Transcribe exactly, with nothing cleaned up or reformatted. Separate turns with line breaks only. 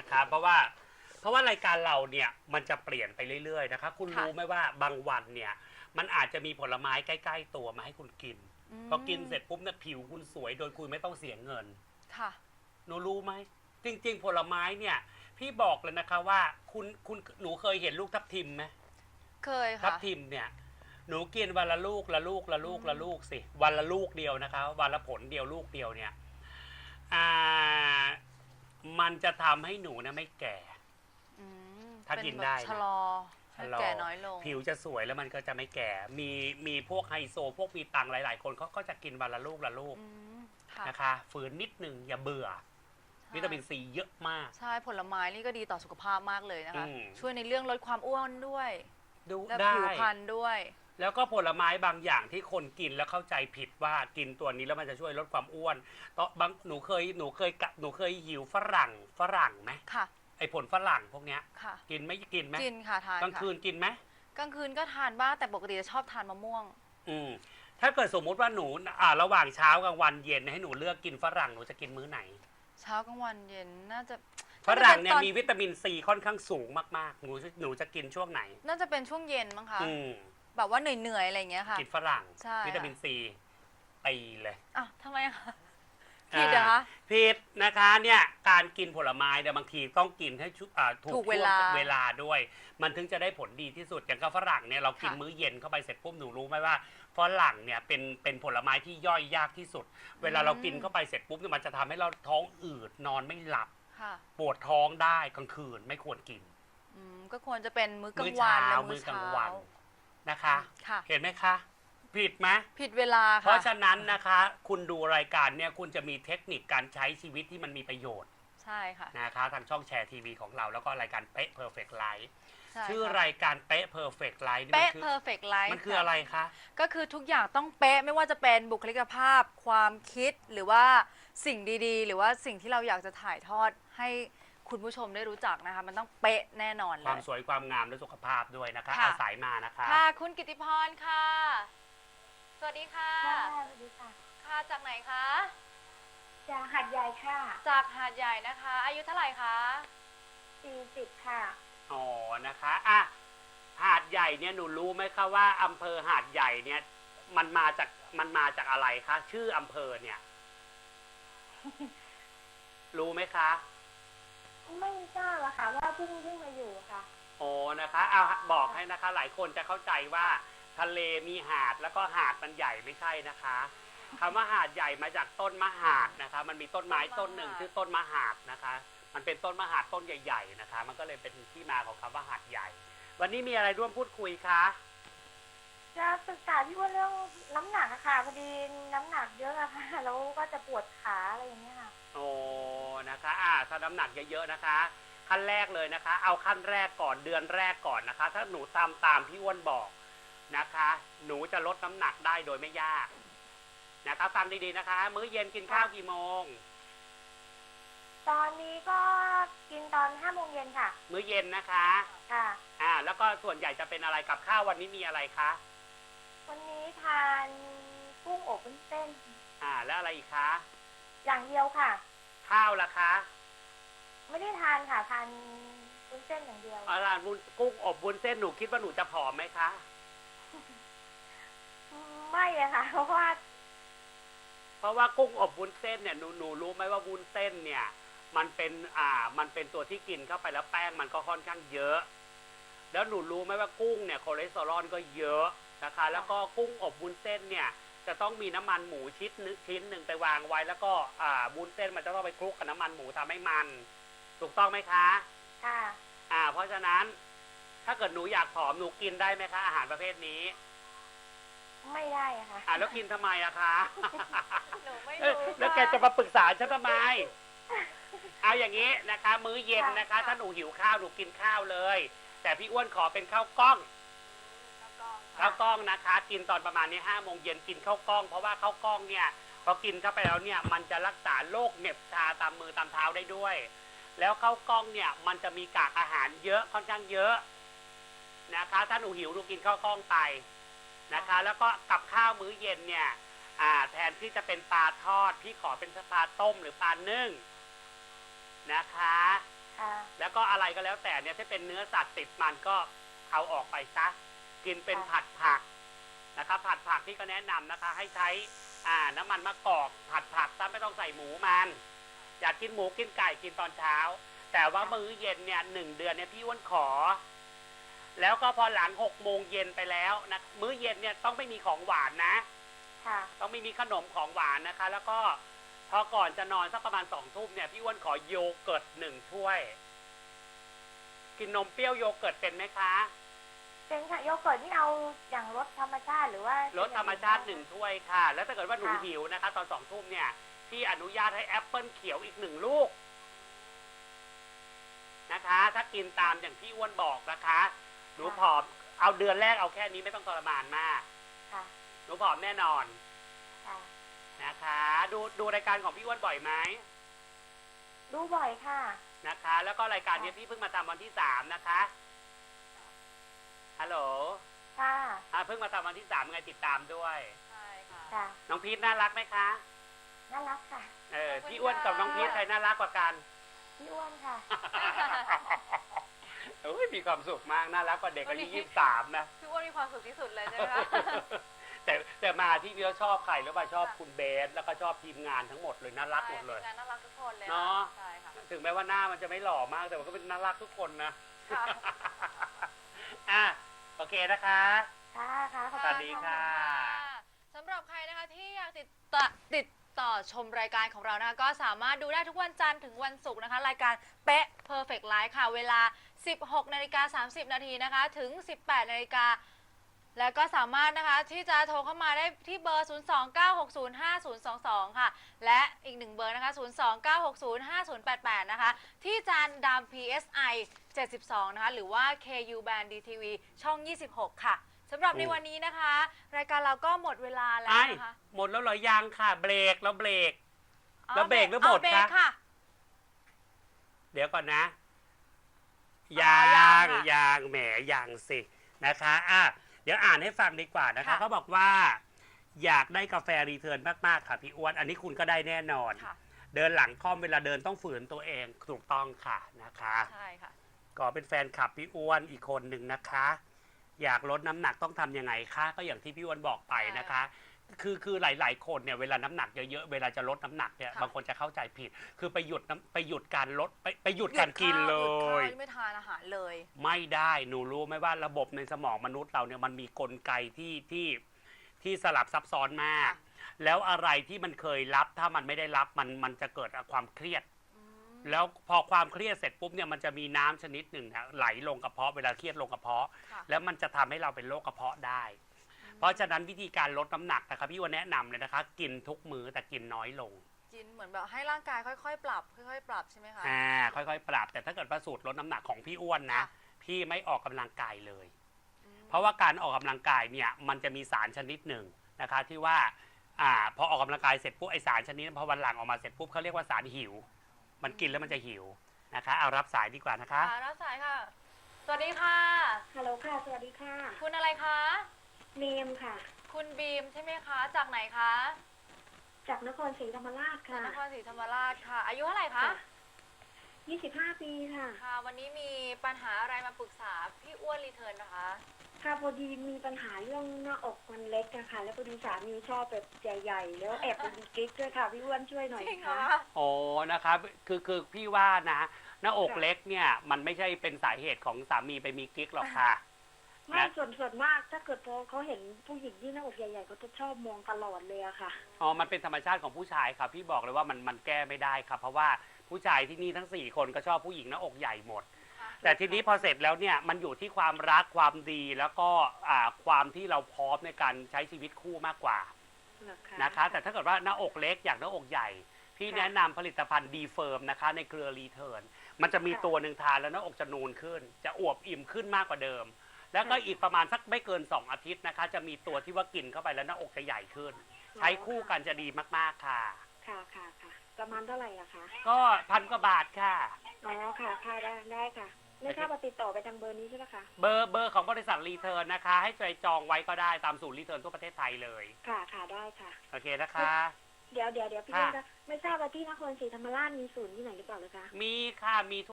นะคะเพราะว่าเพราะว่ารายการเราเนี่ยมันจะเปลี่ยนไปเรื่อยๆนะคะคุณรู้ไหมว่าบางวันเนี่ยมันอาจจะมีผลไม้ใกล้ๆตัวมาให้คุณกินพอกินเสร็จปุ๊บเนี่ยผิวคุณสวยโดยคุณไม่ต้องเสียเงิน
ค่ะ
หนูรู้ไหมจริงๆผลไม้เนี่ยพี่บอกเลยนะคะว่าคุณคุณหนูเคยเห็นลูกทับทิมไหม
เคยค่ะ
ทับทิมเนี่ยหนูกินวันละลูกละลูกละลูกละลูกสิวันละลูกเดียวนะคะวันละผลเดียวลูกเดียวเนี่ยอ่ามันจะทำให้หนูนะไม่แก่ถ้ากินได้
ชะลอให้แก่น้อยลง
ผิวจะสวยแล้วมันก็จะไม่แก่มีมีพวกไฮโซพวกมีตังหลายๆคนเขาก็จะกินวันละลูกละลูกนะคะฝืนนิดนึงอย่าเบื่อวิตามินซีเยอะมาก
ใช่ผลไม้นี่ก็ดีต่อสุขภาพมากเลยนะคะช่วยในเรื่องลดความอ้วนด้วยและผิวพรรณด้วย
แล้วก็ผลไม้บางอย่างที่คนกินแล้วเข้าใจผิดว่ากินตัวนี้แล้วมันจะช่วยลดความอ้วนตอนบางหนูเคยหนูเคยกะหนูเคยหิวฝรั่งฝรั่งไหม
ค่ะ
ไอผลฝรั่งพวกเนี้ยกินไม่กินไหม
กินค่ะทาน
กลางคืนกินไหม
กลางคืนก็ทานบ้างแต่ปกติจะชอบทานมะม่วง
อืมถ้าเกิดสมมุติว่าหนูอ่าระหว่างเช้ากลางวันเย็นให้หนูเลือกกินฝรั่งหนูจะกินมื้อไหน
เช้ากลางวันเย็นน่าจะ
ฝรั่งเนี่ยมีวิตามินซีค่อนข้างสูงมากๆหนูหนูจะกินช่วงไหน
น่าจะเป็นช่วงเย็นมั้งคะแบบว่าเหนื่อยๆอะไรอย่างเงี้ยค่ะ
กินฝรั่งวิตามินซีตีเลย
อ่ะทำไมคะผิดเหรอคะ
ผิดนะคะเนี่ยการกินผลไม้เนี่ยบางทีต้องกินให้ถูกเวลาเวลาด้วยมันถึงจะได้ผลดีที่สุดอย่างกับฝรั่งเนี่ยเรากินมื้อเย็นเข้าไปเสร็จปุ๊บหนูรู้ไหมว่าฝรั่งเนี่ยเป็นเป็นผลไม้ที่ย่อยยากที่สุดเวลาเรากินเข้าไปเสร็จปุ๊บเนี่ยมันจะทำให้เราท้องอืดนอนไม่หลับปวดท้องได้กลางคืนไม่ควรกิน
ก็ควรจะเป็นมื้อกลางวันและ
มื้อกลางวันนะคะเห็นไหมคะ ผิดไหม
ผิดเวลาค่ะ
เพราะฉะนั้นนะคะคุณดูรายการเนี่ยคุณจะมีเทคนิคการใช้ชีวิตที่มันมีประโยชน์
ใช่ค่ะ
นะคะทางช่องแชร์ทีวีของเราแล้วก็รายการเป๊ะ Perfect Life ชื่อรายการเป๊ะ Perfect Life
เป๊ะ Perfect Life
มันคืออะไรคะ
ก็คือทุกอย่างต้องเป๊ะไม่ว่าจะเป็นบุคลิกภาพความคิดหรือว่าสิ่งดีๆหรือว่าสิ่งที่เราอยากจะถ่ายทอดให้คุณผู้ชมได้รู้จักนะคะมันต้องเป๊ะแน่นอนเลย
ความสวยความงามและสุขภาพด้วยนะคะอาศัยมานะคะ
ค่ะคุณกิติพรค่ะสวัสดีค่ะ
สวัสดีค่ะ
ค่ะจากไหนคะ
จากหาดใหญ่ค่ะ
จากหาดใหญ่นะคะอายุเท่าไหร่คะ
สี่สิบค่ะ
อ๋อนะคะอ่ะหาดใหญ่เนี่ยหนูรู้ไหมคะว่าอำเภอหาดใหญ่เนี่ยมันมาจากมันมาจากอะไรคะชื่ออำเภอเนี่ย รู้ไหมคะ
ไม่ทราบอะค่ะว่าเพิ่งเพิ่งมาอยู่ค่ะ
โอ้นะคะเอาบอกให้นะคะหลายคนจะเข้าใจว่าทะเลมีหาดแล้วก็หาดมันใหญ่ไม่ใช่นะคะคำว่าหาดใหญ่มาจากต้นมะหาดนะคะมันมีต้นไม้ต้นหนึ่งชื่อต้นมะหาดนะคะมันเป็นต้นมะหาดต้นใหญ่ๆนะคะมันก็เลยเป็นที่มาของคำว่าหาดใหญ่วันนี้มีอะไรร่วมพูดคุยคะ
จะปรึกษาพี่ว่าเรื่องน้ำหนักอะค่ะพอดีน้ำหนักเยอะอะค่ะแล้วก็จะปวดขาอะไรอย่างเงี้ยค่ะ
โอ้นะคะอ่าถ้าน้ำหนักเยอะๆนะคะขั้นแรกเลยนะคะเอาขั้นแรกก่อนเดือนแรกก่อนนะคะถ้าหนูตามตามพี่อ้วนบอกนะคะหนูจะลดน้ำหนักได้โดยไม่ยากนะคะฟังดีๆนะคะมื้อเย็นกินข้าวกี่โมง
ตอนนี้ก็กินตอนห้าโมงเย็นค่ะ
มื้อเย็นนะคะ
ค่ะ
อ่าแล้วก็ส่วนใหญ่จะเป็นอะไรกับข้าววันนี้มีอะไรคะ
วันนี้ทานกุ้งอบวุ้นเส้น
อ่าแล้วอะไรอีกคะ
อย่างเดียวค่ะ
ข้าวล่ะคะ
ไม่ได้ทานค่ะทานวุ้นเส้นอย่างเดียว
อ่าทานกุ้งอบวุ้นเส้นหนูคิดว่าหนูจะผอมไหมคะ
ไม่เลยค่ะเพราะว่า
เพราะว่ากุ้งอบวุ้นเส้นเนี่ยหนูหนูรู้ไหมว่าวุ้นเส้นเนี่ยมันเป็นอ่ามันเป็นตัวที่กินเข้าไปแล้วแป้งมันก็ค่อนข้างเยอะแล้วหนูรู้ไหมว่ากุ้งเนี่ยคอเลสเตอรอลก็เยอะนะคะแล้วก็กุ้งอบวุ้นเส้นเนี่ยจะต้องมีน้ำมันหมูชิ้นนึงชิ้นหนึ่งไปวางไว้แล้วก็อ่าวุ้นเส้นมันจะต้องไปคลุกกับน้ำมันหมูทำให้มันถูกต้องไหมคะ
ค่ะ
อ่าเพราะฉะนั้นถ้าเกิดหนูอยากผอมหนูกินได้ไหมคะอาหารประเภทนี้
ไม่ได้ค่ะ
อ่าแล้วกินทำไมอะคะ
หนูไม่รู้
แล้วแกจะมาปรึกษาฉันทำไมเอาอย่างนี้นะคะมื้อเย็นนะคะถ้าหนูหิวข้าวหนูกินข้าวเลยแต่พี่อ้วนขอเป็นข้าวกล้องข้าวกล้องนะคะกินตอนประมาณนี้ห้าโมงเย็นกินข้าวกล้องเพราะว่าข้าวกล้องเนี่ยพอกินเข้าไปแล้วเนี่ยมันจะรักษาโรคเหน็บชาตามมือตามเท้าได้ด้วยแล้วข้าวกล้องเนี่ยมันจะมีกากอาหารเยอะค่อนข้างเยอะนะคะถ้าหนูหิวหนูกินข้าวกล้องไปนะคะแล้วก็กับข้าวมื้อเย็นเนี่ยแทนที่จะเป็นปลาทอดพี่ขอเป็นปลาต้มหรือปลานึ่งนะคะ
ค่ะ
แล้วก็อะไรก็แล้วแต่เนี่ยถ้าเป็นเนื้อสัตว์ติดมันก็เอาออกไปซะกินเป็นผัดผักนะครับผัดผักที่ก็แนะนำนะคะ ให้ใช้อ่าน้ำมันมะกอกผัดผักซะไม่ต้องใส่หมูมันอยากกินหมูกินไก่กินตอนเช้า แต่ว่ามื้อเย็นเนี่ยหนึ่งเดือนเนี่ยพี่อ้วนขอ แล้วก็พอหลังหกโมงเย็นไปแล้วนะมื้อเย็นเนี่ยต้องไม่มีของหวานนะ
ค่ะ
ต้องไม่มีขนมของหวานนะคะ แล้วก็พอก่อนจะนอนสักประมาณสองทุ่มเนี่ยพี่อ้วนขอโยเกิร์ตหนึ่งถ้วย กินนมเปรี้ยวโยเกิร์ตเป็นไหมคะ
เป็นค่ะโยเกิร์ตนี่เอาอย่างรสธรรมชาติหรือว่าร
สธรรมชาติหนึ่งถ้วยค่ะ แล้วถ้าเกิดว่าหนู
ค่ะ
หิวนะคะ ตอนสองทุ่มเนี่ยพี่อนุญาตให้แอปเปิลเขียวอีกหนึ่งลูกนะคะ ถ้ากินตามอย่างที่อ้วนบอกนะคะหนูผอมเอาเดือนแรกเอาแค่นี้ไม่ต้องทรมานมาก
ค่ะ
หนูผอมแน่นอน
ค่ะ
นะคะ ดูดูรายการของพี่อ้วนบ่อยไหม
ดูบ่อยค่ะ
นะคะ แล้วก็รายการนี้พี่เพิ่งมาทำวันที่สามนะคะฮัลโหล
ค่ะ
อ่าเพิ่งมาทำวันที่สามไงติดตามด้วย
ใช่ค่ะ
ค่ะ
น้องพีทน่ารักไหมคะ
น่ารักค่ะ
เออพี่อ้วนกับน้องพีทใครน่ารักกว่ากัน
พี่อ้วนค่ะ
โอ้ยมีความสุขมากน่ารักกว่าเด็กอายุยี่สิบสามนะ
พี่อ้วนมีความสุขที่สุดเลยใช่ไหมคะ
แต่แต่มาที่พี่เขาชอบใครแล้วมาชอบคุณเบสแล้วก็ชอบทีมงานทั้งหมดเลยน่ารักหมดเลย
ใช่ทีมงานน่ารักทุกคนเลย
เนาะ
ใช่ค่ะ
ถึงแม้ว่าหน้ามันจะไม่หล่อมากแต่มันก็เป็นน่ารักทุกคนนะ
ค่ะ
อ่ะโอเคนะคะ
ค่ะค่ะขอบ
สวั
คุ
ส
ณ
ดี
ค่ะ
ค่ะ
สำหรับใครนะคะที่อยากติดต่อติดต่อชมรายการของเรานะคะก็สามารถดูได้ทุกวันจันทร์ถึงวันศุกร์นะคะ รายการเป๊ะ Perfect Life ค่ะ เวลา สิบหกนาฬิกาสามสิบนาทีนะคะ ถึง สิบแปดนาฬิกาแล้วก็สามารถนะคะที่จะโทรเข้ามาได้ที่เบอร์ ศูนย์ สอง เก้า หก ศูนย์ ห้า ศูนย์ สอง สอง ค่ะ และอีกหนึ่งเบอร์นะคะ ศูนย์ สอง เก้า หก ศูนย์ ห้า ศูนย์ แปด แปด นะคะ ที่จานดาม พี เอส ไอ เจ็ดสิบสอง นะคะ หรือว่า เค ยู Band ดี ที วี ช่อง ยี่สิบหก ค่ะสำหรับในวันนี้นะคะ รายการเราก็หมดเวลาแล้ว
ไอ้
นะคะ
หมดแล้วเหรอยังค่ะ เบรกแล้วเบรก
อ๋อ
แล้วเบรกหรือหมด
เาเบรก
คะ
ค่ะ
เดี๋ยวก่อนนะ
อ๋อ
ยัง
ยังค่ะ
ยังแหมยังสินะคะอ่ะเดี๋ยวอ่านให้ฟังดีกว่านะคะ
ค่ะ
เขาบอกว่า อยากได้กาแฟรีเทิร์นมากๆค่ะพี่อ้วนอันนี้คุณก็ได้แน่นอน
ค่ะ
เดินหลังค่อมเวลาเดินต้องฝืนตัวเองถูกต้องค่ะนะคะ
ใช่ค่ะ
ก็เป็นแฟนคลับพี่อ้วนอีกคนหนึ่งนะคะ อยากลดน้ำหนักต้องทำยังไงคะก็อย่างที่พี่อ้วนบอกไปนะคะ คือคือหลาย ๆ คนเนี่ยเวลาน้ำหนักเยอะๆเวลาจะลดน้ำหนักเนี่ย
ค่ะ
บางคนจะเข้าใจผิด คือไปหยุดน้ำไปหยุดการลดไปไปหยุดการกินเล
หยุดข้าวย หยุดข้าว
ย
ไม่ทานอาหารเลย
ไม่ได้หนูรู้ไหมว่าระบบในสมองมนุษย์เราเนี่ยมันมีกลไกที่ที่ที่สลับซับซ้อนมาก
ค่ะ
แล้วอะไรที่มันเคยรับถ้ามันไม่ได้รับมันมันจะเกิดความเครียด
อืม
แล้วพอความเครียดเสร็จปุ๊บเนี่ยมันจะมีน้ำชนิดหนึ่งนะไหลลงกระเพาะเวลาเครียดลงกระเพาะ
ค่ะ
แล้วมันจะทำให้เราเป็นโรคกระเพาะได้ เพราะฉะนั้นวิธีการลดน้ำหนักนะครับพี่ว่าแนะนำเลยนะคะ กินทุกมื้อแต่กินน้อยลง
กินเหมือนแบบให้ร่างกายค่อยๆ ปรับ ค่อยๆ ปรับใช่ไหมคะ
อ่าค่อยๆ ปรับ แต่ถ้าเกิดประสูตรลดน้ำหนักของพี่อ้วนนะ
ค่ะ
พี่ไม่ออกกำลังกายเลย
อืม
เพราะว่าการออกกำลังกายเนี่ยมันจะมีสารชนิดหนึ่งนะคะที่ว่าอ่าพอออกกำลังกายเสร็จปุ๊บไอสารชนิดนั้นพอวันหลังออกมาเสร็จปุ๊บเขาเรียกว่าสารหิว มันกินแล้วมันจะหิวนะคะเอารับสายดีกว่านะคะ
ค่ะรับสายค่ะ สวัสดีค่ะ
ฮัลโหลค่ะ สวัสดีค่ะ
คุณอะไรคะ
เนมค่ะ
คุณบีมใช่ไหมคะ จากไหนคะ
จากนครศรีธรรมราช
จาก
ค่ะ
นครศรีธรรมราชค่ะ อายุเท่าไหร่คะ
ยี่สิบห้าปีค่ะ
ค่ะ วันนี้มีปัญหาอะไรมาปรึกษาพี่อ้วนรีเทิร์นนะคะ
ค่ะพอดีมีปัญหาเรื่องหน้าอกมันเล็กอะค่ะ แล้วพอดีสามีชอบแบบใหญ่ๆ แล้วแอบไปมีกิ๊กด้วยค่ะ พี่อ้วนช่วยหน่อย
จริงเหรอ
ค่ะ
คะ
โอ้นะครับคือคือพี่ว่านะหน้าอกเล็กเนี่ยมันไม่ใช่เป็นสาเหตุของสามีไปมีกิ๊กหรอกค่ะ
ไม่ส่วนส่วนมากถ้าเกิดพอเขาเห็นผู้หญิงที่หน้าอกใหญ่ๆเขาจะชอบมองตลอดเลยอะค่ะ
อ๋อ มันเป็นธรรมชาติของผู้ชายครับ พี่บอกเลยว่ามันมันแก้ไม่ได้ครับ เพราะว่าผู้ชายที่นี่ทั้งสี่คนก็ชอบผู้หญิงหน้าอกใหญ่หมด แต่ทีนี้พอเสร็จแล้วเนี่ยมันอยู่ที่ความรักความดีแล้วก็อ่าความที่เราพร้อมในการใช้ชีวิตคู่มากกว่า
เหรอคะ
นะคะ แต่ถ้าเกิดว่าหน้าอกเล็กอยากหน้าอกใหญ่ พี่แนะนำผลิตภัณฑ์ดีเฟิร์มนะคะในเครือรีเทิร์นมันจะมีตัวหนึ่งทานแล้วหน้าอกจะนูนขึ้น จะอวบอิ่มขึ้นมากกว่าเดิม แล้วก็อีกประมาณสักไม่เกินสองอาทิตย์นะคะ จะมีตัวที่ว่ากินเข้าไปแล้วหน้าอกจะใหญ่ขึ้น ใช้คู่กันจะดีมากๆค่ะ
ค่ะค่ะค่ะ ประมาณเท่าไหร่อะคะ
ก็พันกว่าบาทค่ะ
อ๋อ ค่ะค่ะได้ได้ค่ะ ไม่ทราบว่าติดต่อไปทางเบอร์นี้ใช่ไหมคะ
เบอร์เบอร์ของบริษัทรีเทิร์นนะคะ ให้ใจจองไว้ก็ได้ตามศูนย์รีเทิร์นทั่วประเทศไทยเลย
ค่ะค่ะได้ค่ะ
โอเคนะคะ
เดี๋ยวเดี๋ยวเดี๋ยวพี่
ค่ะ
อ้วนคะไม่ทราบว่าที่นครศรีธรรมราชมีศูนย์ที่ไหนหรือเปล่าเลยคะ
มีค่ะมี